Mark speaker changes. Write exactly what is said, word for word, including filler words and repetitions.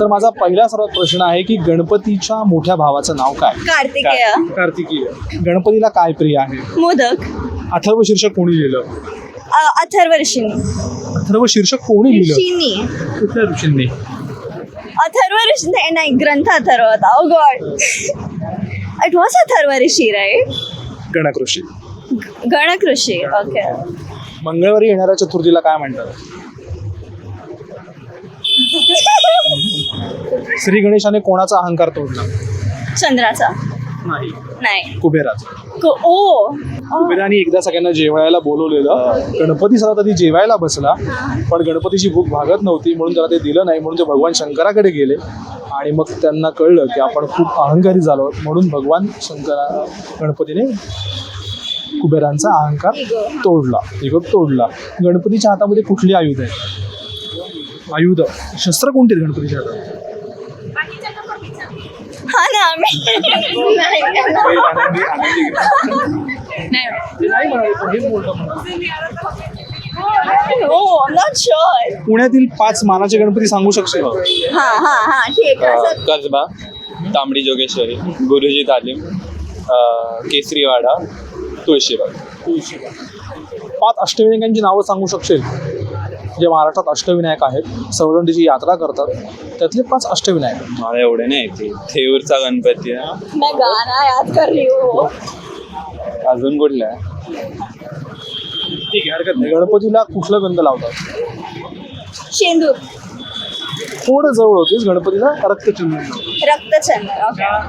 Speaker 1: तर माझा पहिला सर्वात प्रश्न आहे की गणपतीच्या मोठ्या भावाचं नाव काय?
Speaker 2: कार्तिकेय.
Speaker 1: कार्तिकीय. गणपतीला काय प्रिय आहे?
Speaker 2: मोदक.
Speaker 1: अथर्व शीर्षक कोणी लिहिलं?
Speaker 2: अ, अथर्व ऋषींनी.
Speaker 1: अथर्व शीर्षक कोणी लिहिलं?
Speaker 2: ऋषींनी.
Speaker 1: कुठल्या ऋषींनी?
Speaker 2: अथर्व ऋषी नाही नाही, ग्रंथ अथर्व होता. ओ God, it was Atharva Rishi right.
Speaker 1: गणक Rishi.
Speaker 2: गणक Rishi. Okay.
Speaker 1: मंगळवारी येणाऱ्या चतुर्थीला काय म्हणतात? श्री गणेशाने कोणाचा अहंकार तोडला?
Speaker 2: चंद्राचा.
Speaker 1: नाही,
Speaker 2: नाही.
Speaker 1: कुबेराचा.
Speaker 2: को- ओ.
Speaker 1: कुबेराने एकदा सगळ्यांना जेवायला बोलवलेलं. गणपती सगळा कधी जेवायला बसला, पण गणपतीची भूक भागत नव्हती म्हणून त्याला ते दिलं नाही. म्हणून ते भगवान शंकराकडे गेले आणि मग त्यांना कळलं की आपण खूप अहंकारी झालो, म्हणून भगवान शंकरा गणपतीने कुबेरांचा अहंकार तोडला, इगो तोडला. गणपतीच्या हातामध्ये कुठली आयुध आहे? आयुध, शस्त्र कोणती आहेत गणपतीच्या हातात?
Speaker 2: हा ना आम्ही नाही.
Speaker 1: आनंदी- आनंदी ते नाही म्हणाले, पण हे बोलतो म्हणा.
Speaker 2: हो, आय एम नॉट शुअर.
Speaker 1: पुण्यातील पाच मानाचे गणपती सांगू शकशील?
Speaker 2: हा हा हा ठीक आहे. असं-
Speaker 3: कसबा, तांबडी जोगेश्वरी, गुरुजी तालीम, केसरीवाडा, तुळशीबाग.
Speaker 1: पाच अष्टविनायकांची नावं सांगू शकशील? जे महाराष्ट्रात अष्टविनायक आहेत, सर्वजण त्याची यात्रा करतात, त्यातले पाच अष्टविनायक.
Speaker 3: मला एवढे नाही येते. थेऊरचा गणपती आहे.
Speaker 2: मैं गाना याद कर रही हूँ.
Speaker 3: अजून कुठला आहे?
Speaker 1: ठीक आहे, हरकत नाही. गणपतीला कुठलं गंध लावतात?
Speaker 2: शेंदूर.
Speaker 1: थोडं जवळ होतीस. गणपतीला रक्तचंदन.
Speaker 2: रक्तचंद्र. ओके.